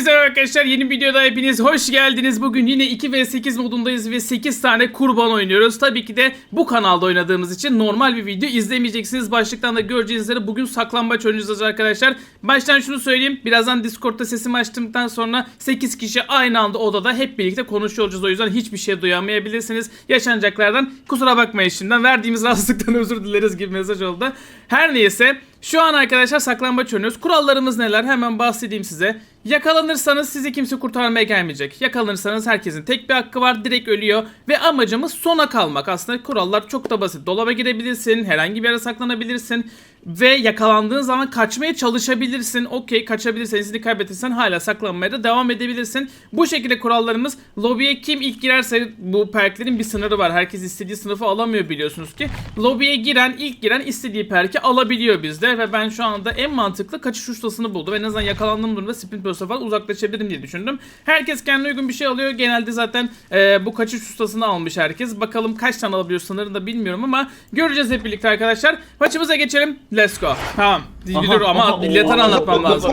Hepinize merhaba arkadaşlar, yeni bir videoda hepiniz hoş geldiniz. Bugün yine 2v8 modundayız ve 8 tane kurban oynuyoruz. Tabii ki de bu kanalda oynadığımız için normal bir video izlemeyeceksiniz. Başlıktan da göreceğiniz üzere bugün saklambaç oynayacağız arkadaşlar. Baştan şunu söyleyeyim, birazdan Discord'da sesimi açtıktan sonra 8 kişi aynı anda odada hep birlikte konuşuyor olacağız. O yüzden hiçbir şey duyamayabilirsiniz. Yaşanacaklardan kusura bakmayın şimdiden. Verdiğimiz rahatsızlıktan özür dileriz gibi mesaj oldu. Her neyse, şu an arkadaşlar saklambaç oynuyoruz. Kurallarımız neler? Hemen bahsedeyim size. Yakalanırsanız sizi kimse kurtarmaya gelmeyecek. Yakalanırsanız herkesin tek bir hakkı var. Direkt ölüyor. Ve amacımız sona kalmak. Aslında kurallar çok da basit. Dolaba girebilirsin. Herhangi bir yere saklanabilirsin. Ve yakalandığın zaman kaçmaya çalışabilirsin. Okey, kaçabilirsen, izini kaybedersen hala saklanmaya da devam edebilirsin. Bu şekilde kurallarımız. Lobiye kim ilk girerse, bu perklerin bir sınırı var. Herkes istediği sınıfı alamıyor biliyorsunuz ki. Lobiye ilk giren istediği perki alabiliyor bizde. Ve ben şu anda en mantıklı kaçış ustasını buldum. En azından yakalandığım durumda sprint burst'a falan uzaklaşabilirim diye düşündüm. Herkes kendine uygun bir şey alıyor. Genelde zaten bu kaçış ustasını almış herkes. Bakalım kaç tane alabiliyor sınırını da bilmiyorum ama göreceğiz hep birlikte arkadaşlar. Maçımıza geçelim. Let's go. Tamam. Dur ama millete anlatmam lazım.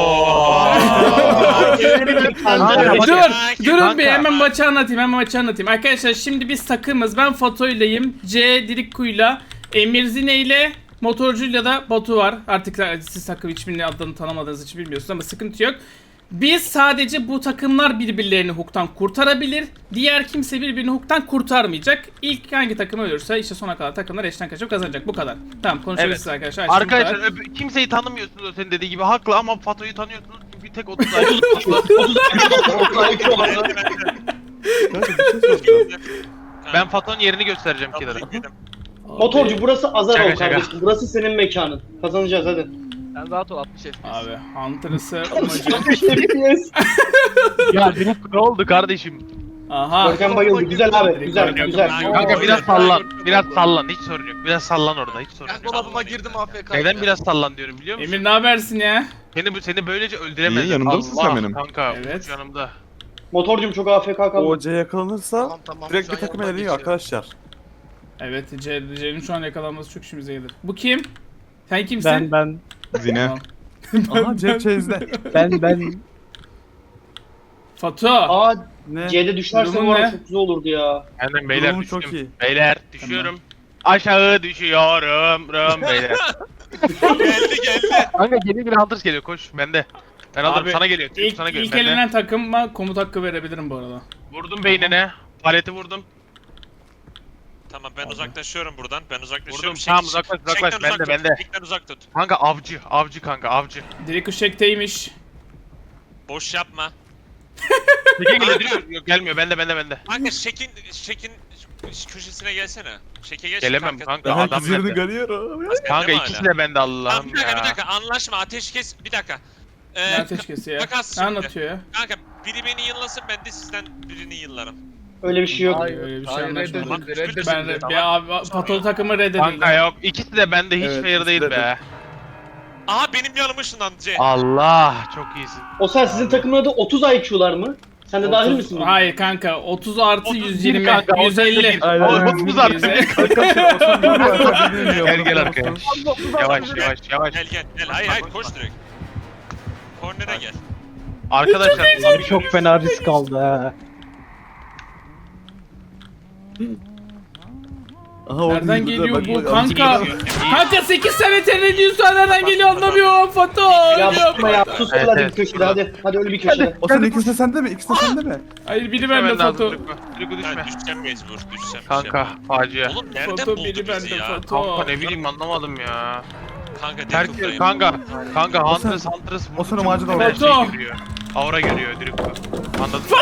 Durun bir hemen maçı anlatayım. Arkadaşlar şimdi biz takımız. Ben Fato'yleyim. C Dirikku'yla, Emir Zine'yle, Motorcu'yla da Batu var. Artık siz takım hiçbirinin adını tanımadığınız için bilmiyorsunuz ama sıkıntı yok. Biz sadece bu takımlar birbirlerini hook'tan kurtarabilir. Diğer kimse birbirini hook'tan kurtarmayacak. İlk hangi takım ölürse işte sona kadar takımlar eşten kaçıp kazanacak. Bu kadar. Tamam, konuşabilirsiniz arkadaşlar. Arkadaşlar kimseyi tanımıyorsunuz o senin dediği gibi haklı ama Fato'yu tanıyorsunuz çünkü tek 30 ay. Ben Fato'nun yerini göstereceğim Killer'a. Motorcu burası Azar ol Şaka. kardeşim. Burası senin mekanın. Kazanacağız hadi. Sen rahat ol 60 FPS. Abi Hunter'ısı amacı. Yes. Ya direkt ne oldu kardeşim? Aha. Görkem bayıldı. Güzel abi. Güzel. Kanka biraz sallan hiç sorun yok. Biraz sallan orada hiç sorun Ben yok. dolabıma girdim AFK. Neden biraz sallan diyorum biliyor musun? Emir ne habersin ya? Seni böylece öldüremezler. İyi, yanımda mısın sen benim? Kanka Evet. yanımda. Motorcum çok AFK kaldı. OC yakalanırsa Tamam, direkt şu bir an takım yoldan eleniyor geçiyorum. arkadaşlar. Evet, C'nin şu an yakalanması çok işimize gelir. Bu kim? Sen kimsin? Ben Zine. Tamam. Aha Cep Chase'de. ben Fatu. Aa Ne? C'de düşerse Durumun bu arada ne? çok güzel olurdu ya. Aynen beyler Durumu düştüm. çok iyi. Beyler düşüyorum. Aşağı düşüyorum beyler. geldi. Kanka geliyor bir Hunters geliyor koş bende. Ben alırım Abi, sana geliyor. Sana geliyor İlk bende. elenen takıma komut hakkı verebilirim bu arada. Vurdum beynine. Paleti vurdum. Tamam ben uzaklaşıyorum buradan. Ben uzaklaşıyorum. Vurdum. Tamam, uzaklaş. Bende. Çekten uzak tut. Kanka avcı kanka avcı. Direkt ışekteymiş. Boş yapma. Peki geliyor. Yok gelmiyor bende. Kanka şekin köşesine gelsene. Şeke geç. Gelemem kanka Ben adam herkes yerini bende. görüyorum. Kanka Değil mi ikisi hala? de bende Allah'ım Tamam, ya. bir dakika anlaşma ateşkes bir dakika. Ne ateşkesi ya? Takas Ne şimdi. anlatıyor ya? Kanka biri beni yıllasın ben de sizden birini yıllarım. Öyle bir şey yok. Hayır, öyle bir şey Hayır, anlaşmadım. reddedildi. Ben ya abi Patolu takımı reddedildi. Kanka yok ikisi de bende hiç Evet, fair ikisi değil de be. Aha benim yanıma ışınlandı C. Allah çok iyisin. O sen sizin takımın adı 30 IQ'lar mı? Sen de dahil 30 misin? Hayır kanka 30 artı 31 120 kanka, 150. Aynen. 30 artı 150. Arkadaşlar o sen bilmiyorum. Gel arkadaş. Yavaş. Gel. Hayır koş direkt. Kornere gel. Arkadaşlar çok fena risk aldı ha. Aha, o Nereden değil, geliyor bak, bu bak, kanka? Kanka 8 sene tereliyorsa nereden geliyor anlamıyorum Fatu. Ya Ölüyorum. bakma ya. Sus Evet, hadi bir evet. köşede hadi. Hadi öyle bir köşede. O sen ikisi de sende mi? İkisi de sende mi? Hayır biri bende Fatu. Dürükü düşme. Ben düşeceğim mecbur düşeceğim. Kanka facia. Oğlum nereden Foto buldu biri bizi bende ya? Fatu. Kanka ne bileyim anlamadım ya. Kanka Herkes Deadpool'dayım. kanka O sen- Huntress o sen o macera hemen oldu. şey görüyor. Aura görüyor Dürükü. Anladın mı?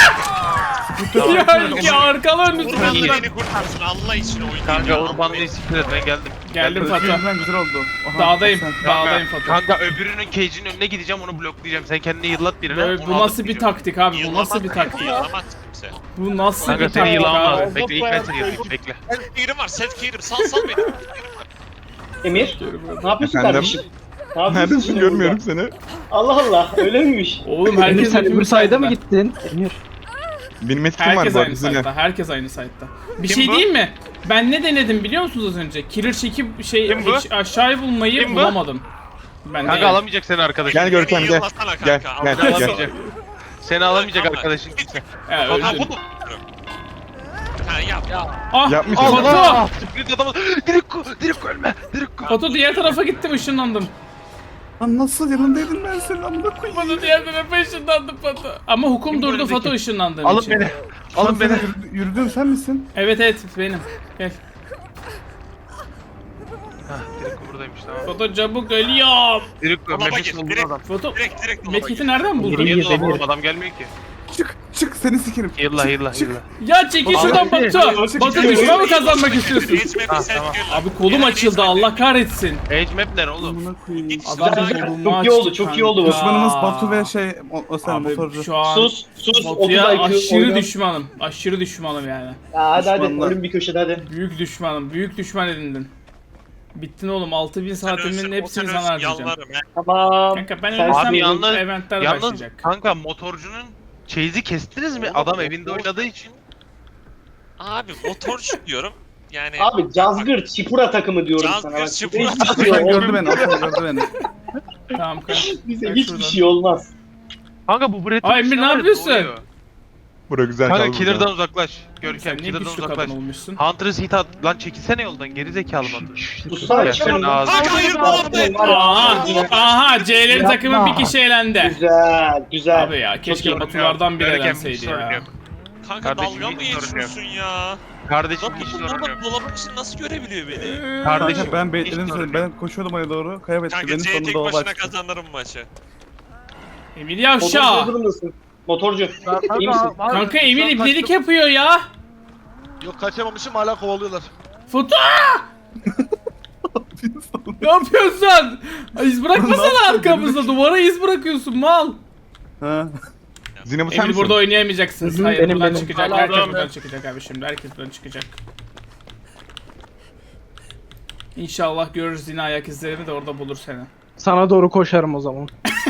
Ya arkalı önlü Urban İyi. beni kurtarsın Allah için oyun. Kanka Urban değil siktir et ben geldim. Geldim Fatu. Güzel güzel oldu. Aha, Dağdayım. sen- Dağdayım Fatu. Kanka öbürünün cage'in önüne gideceğim onu bloklayacağım. Sen kendini yıllat birine. Böyle, onu bu alıp nasıl bir gideceğim. taktik abi? Bu nasıl bir taktik? Yılamaz kimse. Bu nasıl Kanka bir seni taktik yılamaz. abi? Bekle ilk ben seni yılayayım bekle. Self clear'im var self clear'im sal beni. Emir ne yapıyorsun Efendim? kardeşim? Ne yapıyorsun Neredesin şimdi görmüyorum burada? seni. Allah Allah öyle miymiş? Oğlum Emir herkes sen öbür hepimiz sayda mı sayda. gittin? Emir. Benim etkim var Herkes bu aynı arada Zine. site'da. Herkes aynı site'da. Bir Kim şey bu? diyeyim mi? Ben ne denedim biliyor musunuz az önce? Killer çekip Kim bu? aşağıyı bulmayı Kim bu? bulamadım. Ben Kanka de alamayacak seni arkadaşın. Gel Görkem Beni gel. yıllasana Gel kanka. gel Seni gel. alamayacak. Seni alamayacak Tamam. arkadaşın kimse. Evet, Ha öldün. bunu. Ha yap. Ah Yapmış. Foto. Allah! Split adamı. Direkt ölme. Direkt Foto diğer tarafa gittim, ışınlandım. Lan nasıl yanındaydın ben senin amına koyayım. Foto diğer tarafa ışınlandım Foto. Ama hukum Kim durdu öndeki? Foto ışınlandığım Alın için. beni. Alın Alın beni. Yürüdün sen misin? Evet benim. Gel. Hah, direkt buradaymış tamam. Foto çabuk ölüyorum. Direkt Dolaba nefes gir, buldun direkt. adam. Foto Direkt dolaba Medkit'i gir. nereden buldun? Geri Niye gir, dolaba gir. adam gelmiyor ki? Çık seni sikerim. Hilla. Ya çekil şuradan Abi, Batu. Batu düşme mi kazanmak istiyorsun? Geçme Ha, bir sen tamam. gör lan. Abi kolum Gel, açıldı, geçme. Allah kahretsin. Age map ne oğlum? Amına koyayım. Git Adam şuradan. kolumu Çok iyi oldu, açtı çok iyi oldu bu. kanka. Düşmanımız Batu ve o sen Abi motorcu. şu an Sus 30 Batu'ya IQ aşırı oyna. düşmanım. Aşırı düşmanım yani. Ya hadi Düşmanlar. ölüm bir köşede hadi. Büyük düşmanım. Büyük düşman edindin. Bittin oğlum. 6000 saatimin Ölsün, hepsini o sana ölsün, harcayacağım. Yalvarırım ya. Tamam. Kanka ben Sen- ölürsem Abi yalnız- eventler Yalnız başlayacak. kanka motorcunun chase'i kestiniz mi? Adam evinde oynadığı için. Abi motorcu diyorum. Yani Abi Cazgır Çipura takımı diyorum Cazgır, sana. Bak, Çipura hiçbir Hasan şey gördü olmaz. beni. Hasan gördü beni. Tamam kanka. Bize Bak hiçbir şuradan. şey olmaz. Kanka bu Brett'in Ay, Emir, ne yapıyorsun? Bura güzel Kanka kaldı. killer'dan uzaklaş. Sen Görkem niye killer'dan güçlü uzaklaş. kadın olmuşsun? Hunter's hit at. Lan çekilsene yoldan geri zekalı Batu. Sussana Ya çıkarım. senin ağzın. Kanka hayır bu abi. Aha C'lerin Yapma. takımı bir kişi elendi. Güzel, güzel. Abi ya keşke sorun Batulardan biri Görkem, hiç elenseydi sorun ya. yok. Kanka Kardeşim, dalga mı hiç sorun geçiyorsun ya? Kardeşim Lan hiç bu sorun yok. dolabın için nasıl görebiliyor beni? Kardeşim Kanka ben hiç bekledim sorun seni. yok. Ben koşuyordum oraya doğru. Kaybetti Kanka beni C sonunda tek dolaba başına açtı. kazanırım maçı. Emir Motorcu yavşa. durumdasın. Motorcu. İyi misin? Kanka Emir ibnelik yapıyor ya. Yok kaçamamışım hala kovalıyorlar. Foto. Ne yapıyorsun? Ay, İz bırakmasana yapıyorsun? arkamızda. Duvara iz bırakıyorsun mal. Ha. Zine bu sen Emir misin? burada oynayamayacaksınız. Hı hı, Hayır benim, buradan benim. çıkacak. Hala Herkes adam buradan ya. çıkacak abi şimdi. Herkes buradan çıkacak. İnşallah görürüz yine ayak izlerini de orada bulur seni. Sana doğru koşarım o zaman.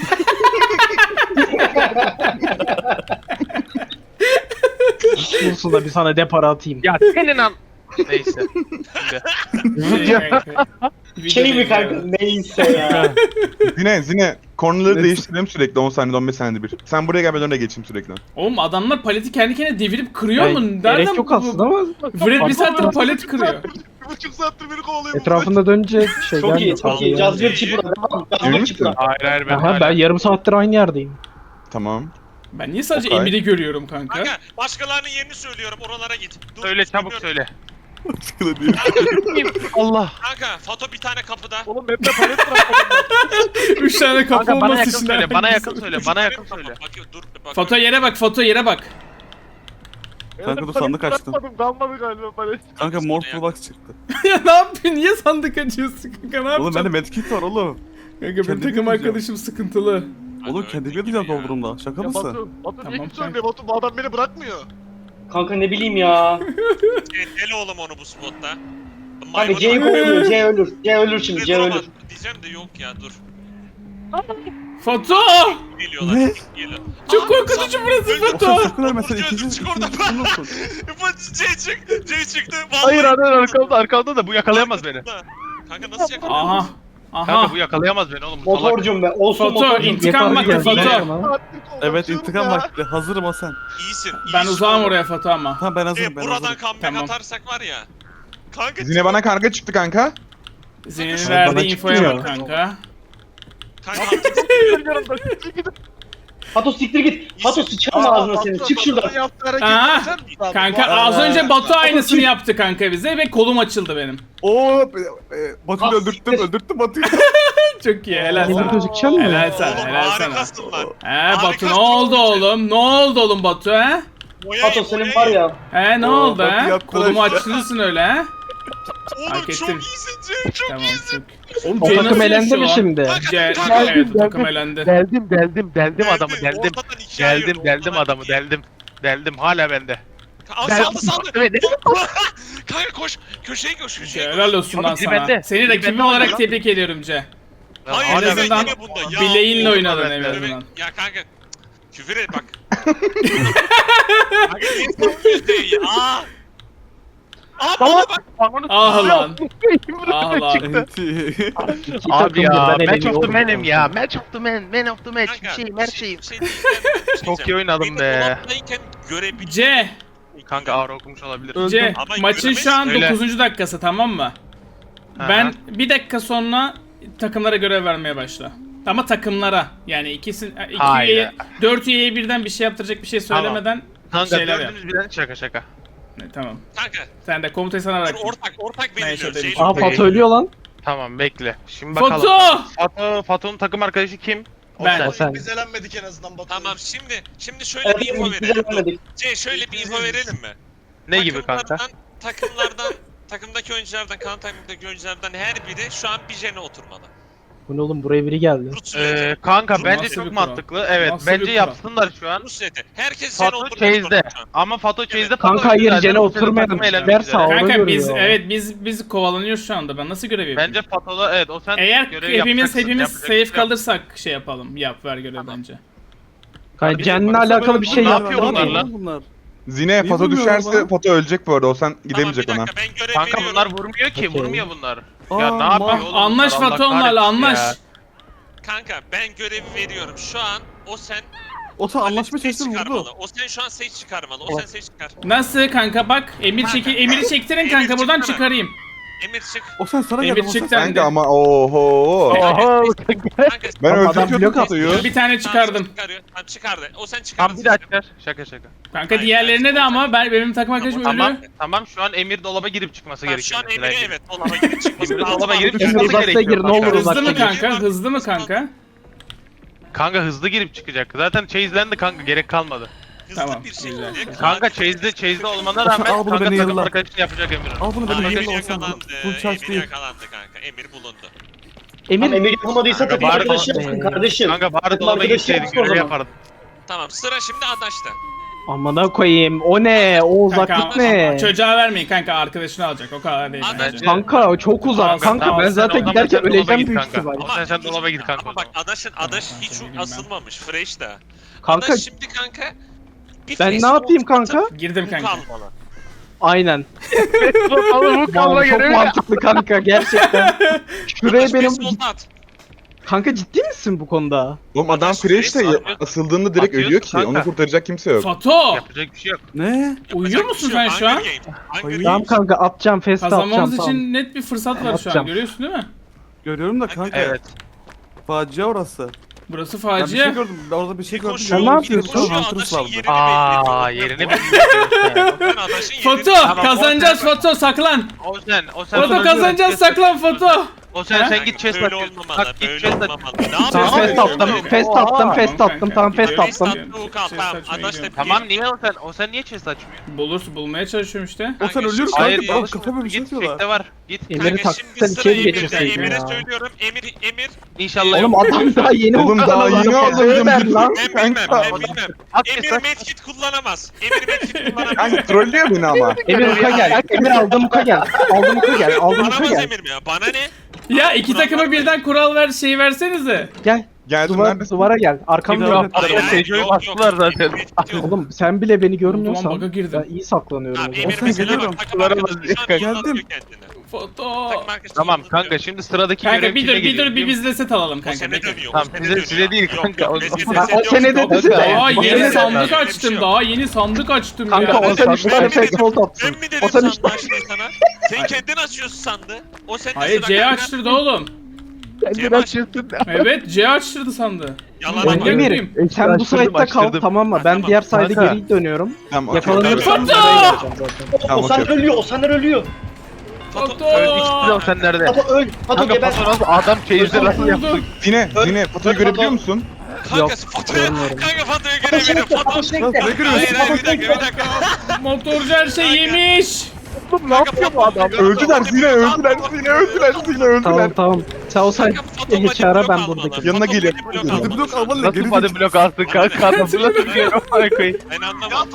Bulsun da bir sana depara atayım. Ya senin an... Neyse. Şimdi. Şey mi kanka? Neyse ya. Zine. Kornaları değiştirelim sürekli 10 saniyede 15 saniyede bir. Sen buraya gel ben önüne geçeyim sürekli. Oğlum adamlar paleti kendi kendine devirip kırıyor mu? Yani Nereden gerek yok aslında ama Fred bir saattir palet kırıyor. 1,5 saattir beni kovalıyor. etrafında dönünce şey Çok iyi, gelmiyor. çok iyi. Cazgır Çipura. Devam. Emin Cazgır misin? Çipura. Hayır ben Aha, hala. ben yarım saattir aynı yerdeyim. Tamam. Ben niye sadece Okay. Emir'i görüyorum kanka? Kanka başkalarının yerini söylüyorum oralara git. Dur, Söyle çabuk söylüyorum. söyle. Allah. Kanka Fato bir tane kapıda. Oğlum hep de palet bırakmadım. 3 tane kapı Kanka bana olması yakın için söyle. Bana herkes- yakın söyle. Bana yakın söyle. Bakıyor dur bak. Foto yere bak, foto yere bak. Kanka dur sandık açtım. Bırakmadım kalmadı galiba palet. Kanka Morph Box çıktı. Ya ne yapıyorsun? Niye sandık açıyorsun kanka? Ne Oğlum yapacaksın? bende medkit var oğlum. Kanka benim kendim takım yapacağım. arkadaşım sıkıntılı. Oğlum kendimi yapacağım doldurumda. Şaka Ya mısın? Batu niye Tamam, kimse söylüyor Batu bu adam beni bırakmıyor. Kanka ne bileyim ya. Deli oğlum onu bu spotta. Kanka C kovalıyor. C ölür. C ölür şimdi. C ölür. Diyeceğim de yok ya dur. Foto! Geliyorlar. Ne? Geliyor. Çok korkutucu burası öldüm. foto. Oğlum sakın ölme sen Foto öldüm, ikinci çık oradan. olsun. C çıktı. C çıktı. Vallahi Hayır arkamda da bu yakalayamaz beni. Kanka nasıl yakaladın? Aha. Kanka Aha. bu yakalayamaz beni oğlum. Bu salak. Motorcum be. Olsun Foto motorcum. intikam vakti geldi. foto. Evet intikam vakti. Hazırım Hasan. İyisin. Ben iyisin uzağım oğlum. oraya foto ama. Tamam ben hazırım ben Buradan hazırım. comeback Tamam. atarsak var ya. Kanka Zine bana karga çıktı kanka. Zeynep'in Bana verdiği infoya çıkmıyor. bak kanka. Fato siktir git. Fato sıçarım ağzına senin. Çık şuradan. Aha. Kanka az önce Batu aynısını yaptı kanka bize ve kolum açıldı benim. Oo Batu'yu Ah, öldürttüm Batu'yu. Çok iyi helal Emir sana. gözükecek mi? Helal sana Oğlum helal sana. harikasın lan. He Batu Harikasın ne oldu oğlum. oğlum? Ne oldu oğlum Batu he? Fato senin var ya. He ne Oo, oldu Batu he? yaptı Kolumu aşağı. açtırırsın öyle he? Oğlum Fark çok ettim. iyisin Cem çok Tamam iyisin. çok. Oğlum O Jay takım nasıl elendi yaşıyor mi lan? şimdi? Evet o takım elendi. Deldim adamı deldim. Ortadan ikiye ayırdı, Deldim ortadan adamı ikiye. deldim hala bende. Aa, saldı. Kanka koş. Köşeye köşeye. Helal olsun lan Biri sana. bende. Seni Biri rakibim bende olarak lan. tebrik ediyorum Ce. Hayır En Hala evet azından yine bunda. Ya, bileğinle oğlum, oynadın ben en de. azından. Ya kanka. Küfür et bak. Kanka niye sanmıyorsun ya? Aa. Ah lan. Ah lan. İki Abi takım ya birden match of eleniyor. the man'im ya. Match of the man. Man of the match. Bir şeyim her şeyim. Çok iyi oynadım be. Dolaptayken görebileceğim. C. Kanka ağır okumuş olabilir. C. Ama Maçın şu an Öyle. 9. dakikası, tamam mı? Aha. Ben bir dakika sonra takımlara görev vermeye başla. Ama takımlara, yani iki Hayır. üyeye, 4 üyeye birden bir şey yaptıracak bir şey söylemeden Kanka şeyler yap. dördünüz birden şaka. Tamam. Kanka Sen de komutayı sana dur, bırak. ortak Neyse, belirliyoruz. demiş. Aa Fatih ölüyor lan. Tamam bekle. Şimdi bakalım. Foto! Fato'nun takım arkadaşı kim? Ben. O sen. Biz elenmedik en azından Batu. Tamam şimdi şöyle Evet, bir info biz verelim. elenmedik. Şöyle bir info verelim mi? Ne gibi kanka? Takımlardan, takımdaki oyunculardan, kan takımdaki oyunculardan her biri şu an bir jene oturmalı. Bu ne oğlum, buraya biri geldi. Rus süreci. Kanka Nasıl bence bir çok kural? mantıklı. Evet Nasıl bir bence kural? yapsınlar şu an. Rus süreci. Herkes jene Fato oturmak chase'de. zorunda şu an. Ama Fato chase'de Kanka hayır, Jene oturmayalım. Ver sağ ol. Kanka görüyor biz, ya. evet biz kovalanıyoruz şu anda. Ben nasıl görev yapayım? Bence Fato'da evet o sen Eğer görev hepimiz yapacaksın, safe yapacaksın. kalırsak şey yapalım. Yap, ver görev bence. Kanka Cen'le alakalı bir şey Ne yapmıyor yapıyor mu? bunlar lan? Bunlar. Zine Fato düşerse Fato ölecek bu arada. O sen gidemeyecek Tamam, ona. bir dakika, ben görev Kanka veriyorum. bunlar vurmuyor ki, Okey. vurmuyor bunlar. Aa, Ya ne yapıyor oğlum? Anlaş bunlar? Allah Fato onlarla, kahretsin anlaş. ya. Kanka ben görevi veriyorum. Şu an o sen O sen anlaşma Sage çeksin çıkarmalı. vurdu. O sen şu an Sage çıkarmalı. O sen Sage çıkar. Nasıl kanka, bak Emir'i çektirin kanka, Emir buradan çıksana. çıkarayım. Emir çık. O sen sana Emir geldi. çıktı. Kanka ama oho. Oho. Kanka Ben Ama adam öldürtüyordum blok Fato'yu. Bir tane çıkardım. Çıkarıyor. Tamam çıkardı. O sen çıkardın. Tamam bir daha çıkar. Şaka. Kanka diğerlerine de ama benim takım arkadaşım Tamam ölüyor. tamam şu an Emir dolaba girip çıkması Tamam, gerekiyor. şu an mesela. Emir'e evet dolaba girip çıkması Emir lazım. dolaba girip abi. çıkması Uzakta gerekiyor. gir, ne olur kanka. Hızlı mı uzakta gir. kanka? Hızlı mı kanka? Kanka hızlı girip çıkacak. Zaten chase'lendi kanka, gerek kalmadı. Hızlı Tamam, bir güzel. şekilde. Kanka chase'de olmana rağmen Al bunu kanka beni takım yılla. arkadaşını yapacak Emir'in. Al bunu Aa, benim Emir elimde olsun. yakalandı. Full charge Emir değil. yakalandı kanka. Emir bulundu. Emir Emir yapamadıysa takım Bari- arkadaşı yapsın kardeşim. Kanka bari Takım dolaba arkadaşı gitseydin yapsın o görev zaman. yapardın. Tamam sıra şimdi Adaş'ta. amına koyayım. O ne? O Kanka uzaklık ne? çocuğa vermeyin kanka, arkadaşını alacak, o kadar değil Abi, bence. Kanka o çok uzak. Kanka Tamam, ben sen zaten o zaman giderken sen dolaba öleceğim git büyük kanka. ihtimal. Ama sen dolaba git kanka. Ama bak Adaş Tamam, hiç kanka, asılmamış. Fresh da. Kanka Adaş şimdi kanka. Bir ben face ne yapayım atıp kanka? Girdim bu kanka. kalmalı. Aynen. Oğlum bu Vallahi çok mantıklı kanka gerçekten. Şuraya Adaş benim... face volt at. Kanka ciddi misin bu konuda? Oğlum adam Adaş fresh de fresh asıldığında direkt Atıyorsun ölüyor ki. kanka. Onu kurtaracak kimse yok. Fato! Yapacak bir şey yok. Ne? Uyuyor Yapacak musun bir şey sen yok. şu an? Hunger Games. Hunger Hayır. Tamam Games. kanka atacağım, feste atacağım Kazanmamız tamam. için net bir fırsat var şu an, Atacağım. görüyorsun değil mi? Görüyorum da kanka. Evet. Facia orası. Burası Ben bir facia. şey gördüm. Orada bir şey gördüm. Koşuyor, Sen ne yapıyorsun? koşuyor, Huntress Adaş'ın vardı. yerini Aa belli ediyor. yerini Ben bilmiyorum. Adaş'ın yerini Foto! Tamam, Kazanacağız o- Foto, saklan! O sen Foto kazanacağız, saklan Foto! O sen Ha? sen git chest Böyle at. olmamalı, Bak git böyle chest at. olmamalı. Ne Tamam Tamam, fest yapıyorsun? attım, fest attım, fest attım, kanka. tamam fest Görüyoruz. attım. Tamam, Adaş da Tamam niye o sen niye chest açmıyor? Bulmaya çalışıyorum işte. O sen ölüyorsun Hayır kanka. Bana çalışma. kafa böyle bir şey Git yapıyorlar. check'te var. Git. Emir'i Kanka taksan şimdi sıra içeri Emir'de. geçirseydin Emir'e ya. söylüyorum. Emir. İnşallah Oğlum adam daha yeni Oğlum o daha yeni aldım. Ver lan. Ben bilmem. At Emir chest at. medkit kullanamaz. Emir medkit kullanamaz. Kanka trollüyor beni ama. Emir uka gel. Emir aldım uka gel. Aldım uka gel. Aldım uka Kullanamaz gel. Emir mi ya? Bana ne? Ya iki takıma birden kural ver, şey versenize. Gel. Geldim Duvara neredesin? gel. Arkamda Kimler dur. yaptı? Hayır, Tejo'yu yok, bastılar yok. zaten. Emir medkit yok. Oğlum sen bile beni Ulan bug'a görmüyorsan girdim. ben iyi saklanıyorum. Tamam o zaman. Emir Olsun, mesela geliyorum. bak takım arkadaşı şu an Geldim. anlatıyor kendini. Foto. Takım arkadaşı Tamam anlatıyor. kanka şimdi sıradaki Kanka görev bir kime dur geliyor bir biliyor biz de set alalım O kanka. sene bekle. dönüyor. Tamam, o sene size dönüyor. değil Yok, kanka, yok, o biz zaman. size Ha, set o yok. sene Yok, dedi yok, de. yok. Daha O yeni sene sandık de- açtım, daha yeni sandık açtım Kanka ya. o sen Ben işte mi fest dedim? volt Ben atsın. mi dedim O sen sandığı işte. açmayı sana? Sen kendin açıyorsun sandığı. O senin Hayır sıra C kanka. açtırdı oğlum. Cem açtı. Evet C açtırdı sandı. Yalan Manyak atıyor. mıyım? Emir sen bu side'da kal tamam mı? Ben Tamam. diğer side'e Kanka. geri dönüyorum. Tamam, Yakalanırsam Foto! buraya geleceğim zaten. Tamam, O sen okey. ölüyor, o sen ölüyor. Foto. Sen nerede? Fato öl, Fato Kanka geber. Fato nasıl adam chase'de nasıl yaptı? Vurdu. Zine Fato'yu görebiliyor musun? Yok, Kanka Fato'ya, görmüyorum. kanka Fato'ya Fato görebilirim. şekle, Fato. Fato şekle. Lan ne Hayır görüyorsun? hayır bir dakika. Motorcu her şey yemiş. Ne yapıyor bu adam? Öldüler Zine öldüler Zine Tamam öldüler. tamam. Sen o side Kanka Fato geç body ara blok ben almalı. buradayım. Yanına Fato geliyor. body blok Hadi Hadi almalı. blok alman ne Nasıl geri body block alsın kanka? Adam nasıl diyor? Amına koyayım. Ben anlamadım.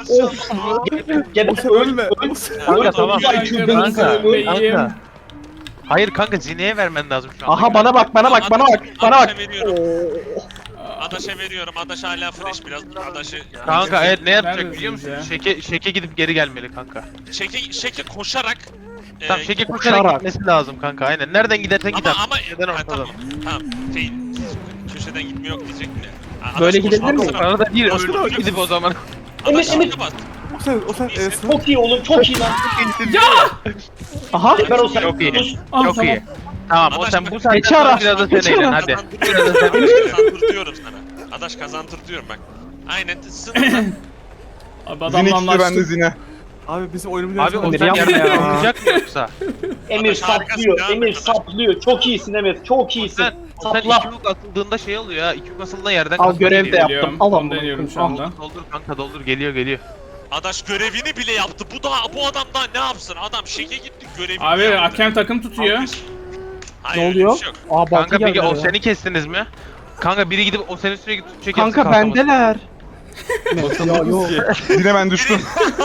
Geber, O sen öl. ölme. Kanka tamam. Ay, çılgın Kanka. Beyim. Kanka. Hayır kanka Zine'ye vermen lazım şu an. Aha bana bak bana bak. Adaş'a veriyorum. Adaş'a veriyorum. Adaş hala fresh biraz. Adaş'ı Kanka evet ne yapacak Neredesiniz biliyor musun? ya? Şeke gidip geri gelmeli kanka. Şeke koşarak Tamam şeke koşarak gitmesi lazım kanka aynen. Nereden gidersen git ama artık. Neden ha, ortadan? tamam şey köşeden gitmiyor diyecek mi? Böyle gidebilir miyim? Arada değil öyle gidip o zaman. Emir, Emir. O sen Çok iyi oğlum, çok iyi lan. Aha. Ver o sen. Çok iyi. Dur. Çok iyi. Tamam o Adaş sen bak- bu saatten Geçi ara, sonra biraz da geçi sen eğlen ara. hadi. Kazandır diyorum sana. Adaş kazandır diyorum bak. Aynen sınırda. Abi Zine adamla çıktı bende anlaştık. Zine. Abi bizim oyunumuz Abi o Emir sen yapma yerden ya. oynayacak mı yoksa? Emir Adaş harikasın saplıyor, ya, Emir Adaş. saplıyor. Çok iyisin Emir, çok iyisin. Sen iki Sapla. yük atıldığında şey oluyor ya. İki yük atıldığında yerden Al, kalkıp görev de geliyor. yap. Geliyorum. Al Onu amına deniyorum şu koyayım, anda. Doldur kanka doldur geliyor. Adaş görevini bile yaptı. Bu adam daha ne yapsın? Adam şeke gitti görevini Abi yaptı. hakem takım tutuyor. Hayır, Ne öyle bir oluyor? şey yok. Aa Batı Kanka geldi peki o ya. seni kestiniz mi? Kanka biri gidip o seni sürekli tutacak Kanka bendeler. Ya yok. Zine ben düştüm.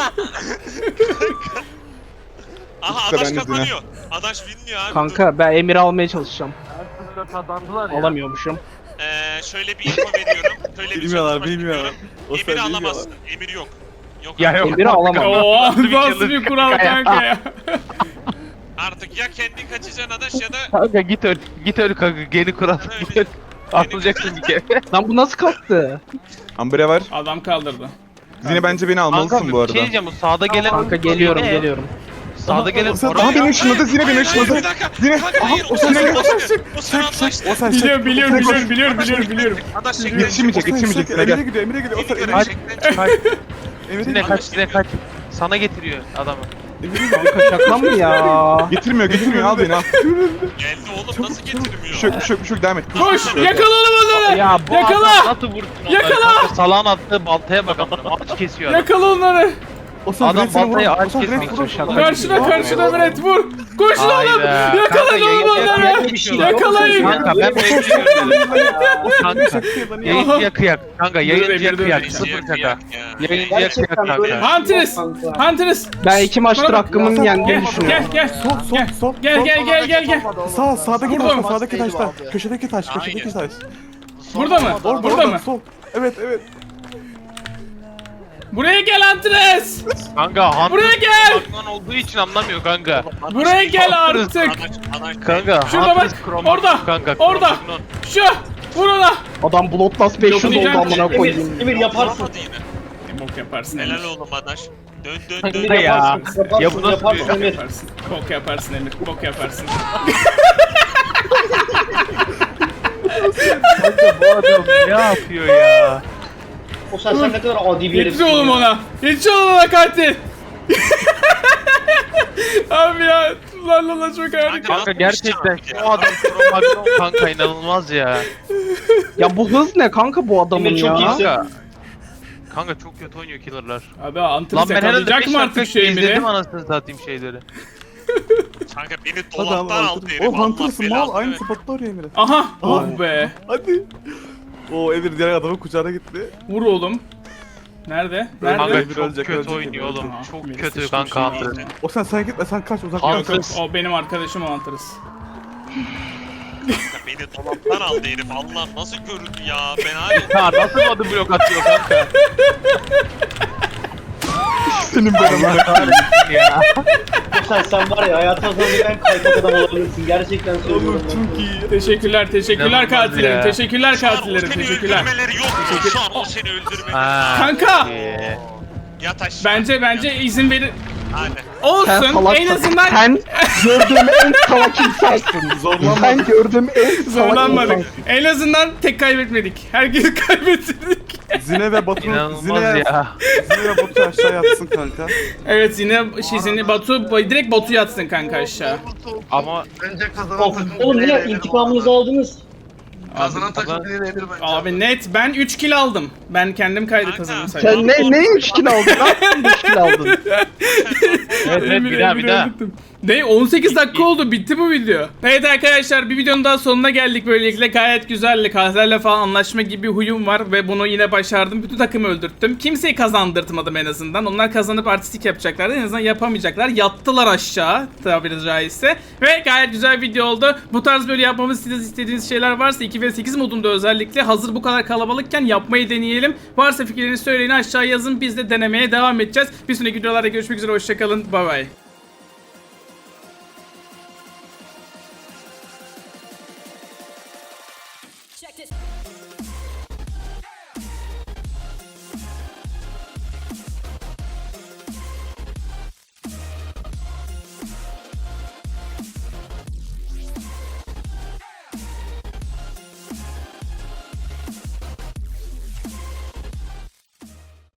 Aha İşte Adaş ben de kazanıyor. Adaş winliyor abi. Kanka ben Emir'i almaya çalışacağım. kazandılar Alamıyormuşum. Şöyle bir info veriyorum. Şöyle bir Bilmiyorlar, çalışma bilmiyorlar. yapıyorum. O sen Emir'i bilmiyorlar. alamazsın. Emir yok. Yok Ya abi. yok. Emir'i alamam. Oo Nasıl bir nasıl çılgın bir kural kanka ya? kanka ya. Artık ya kendin kaçacaksın Adaş ya da Kanka git öl kanka geni kural git öl. Atılacaksın bir kere. Lan bu nasıl kalktı? Ambre var. Adam kaldırdı. Zine bence beni Kanka almalısın bu bir şey arada. diyeceğim bu sağda gelen Kanka geliyorum Ne? geliyorum. Sağda gelen sen- oraya- Aha beni ışınladı Zine beni ışınladı. Bir dakika. Zine. Kanka hayır. O sen- sen o O sen anlaştı. O sen Biliyorum. Adaş çekti. Yetişmeyecek Zine gel. Emire gidiyor. O sen Emir Emire çekti. Emire Zine gidiyor. kaç Zine kaç. Sana getiriyor adamı. Kanka şaka mı ya? Getirmiyor al beni al. Geldi oğlum nasıl getirmiyor? Bir şey yok devam et. Koş yakala onları. Ya bu Yakala! Adam nasıl vursun onları? Yakala! Kanka salağın attığı baltaya bak amına. Ağaç kesiyor adam. Yakala onları. O sen Adam direkt seni baltayı vurur. aç O sen direkt kesmek vurur. için Karşına Meret vur. Koşun oğlum. Hayda. Yakalayın Kanka, oğlum yayın- onları. Bir şey Yakalayın. Kanka ben bekliyorum. Kanka Kanka. yayıncıya kıyak. Kanka yayıncıya Dur, dur, kıyak. dur. Sıfır şaka. Yayıncıya kıyak Gerçekten böyle. kanka. Huntress. Ben 2 maçtır hakkımın yendiğini Gel düşünüyorum. gel. Gel. Sağdaki Burada mı? taş, sağdaki taşta. Köşedeki taş, köşedeki taş. Burada mı? Burada mı? Sol. Evet. Buraya gel Huntress. Kanka Hunter Buraya gel. Batman olduğu için anlamıyor kanka. Buraya gel artık. Kanka Şurada Hunter bak, Chroma orada, kanka, orada. Chroma. Şu. Vur ona. Adam Bloodlust 500 oldu Dokunacağım. amına koyayım. Emir yaparsın. Bok yaparsın Helal Emir. oğlum Adaş. Dön Emir Ya. yaparsın. Ya bu nasıl Yaparsın bir- Emir. Yaparsın. Bok yaparsın Emir. Bok yaparsın. Kanka bu adam ne yapıyor ya? O sen ne kadar adi bir Yetiş herifsin oğlum ya. ona. Yetiş oğlum ona katil. Abi ya. Lan çok harika. Kanka gerçekten şu adam Chroma kanka inanılmaz ya. Ya bu hız ne kanka bu adamın Emir çok ya? iyisin. Kanka çok kötü oynuyor killer'lar. Abi Lan Huntress ben herhalde yakalayacak 5 mı artık dakika şu Emir'i? izledim anasını satayım şeyleri. Kanka beni Hadi dolaptan abi aldı herif. Hunter. O Allah Hunter'sın mal. belasını Aynı versin. spotta oraya Emire. Aha. Oh be. Hadi. O Emir diğer adamın kucağına gitti. Vur oğlum. Nerede? Kanka Nerede? çok ölecek, kötü ölecek, oynuyor ölecek. oğlum. Aha, Çok Melis kötü sıçmış kanka şimdi. Hunter. O sen gitme sen kaç uzaktan Hunter. kaç. O benim arkadaşım Huntress. Kanka beni dolaptan aldı herif. Allah nasıl göründü ya. Ben hala Ya nasıl adı blok atıyor kanka? Senin benim. Allah kahretsin ya. Sen var ya hayatın sonunda en kaypak adam olabilirsin. Gerçekten söylüyorum. Çok iyi. Teşekkürler İnanılmaz katillerim. ya. Teşekkürler şu an o katillerim. seni Teşekkürler. öldürmeleri yok mu? Şu an o seni öldürmeleri. Ha, Kanka! iyi. Yat aşağı. Bence izin verin. Hadi. Sen Olsun. salaksın. En azından Sen gördüğüm en salak insansın. Sen gördüğüm en salak zorlanmadık. insansın. En azından tek kaybetmedik. Herkesi kaybettirdik. Zine ve Batu. İnanılmaz Zine ya. ve Batu aşağı yatsın kanka. Evet yine Batu direkt Batu yatsın kanka aşağı. Ama Oğlum ne intikamınızı aldınız? Abi net ben 3 kill aldım. Ben kendim kaydı Kanka. kazandım saydım. Sen ne 3 kill aldın? Ne yaptın 3 kill aldın? evet bir daha. Ne 18 dakika oldu bitti bu video. Evet arkadaşlar bir videonun daha sonuna geldik böylelikle gayet güzeldi. Katillerle falan anlaşma gibi bir huyum var ve bunu yine başardım. Bütün takımı öldürttüm. Kimseyi kazandırtmadım en azından. Onlar kazanıp artistik yapacaklardı. En azından yapamayacaklar. Yattılar aşağı tabiri caizse. Ve gayet güzel bir video oldu. Bu tarz böyle yapmamı istediğiniz şeyler varsa 2 2v8 modunda özellikle hazır bu kadar kalabalıkken yapmayı deneyelim. Varsa fikirlerinizi söyleyin, aşağıya yazın, biz de denemeye devam edeceğiz. Bir sonraki videolarda görüşmek üzere, hoşçakalın, bay bay.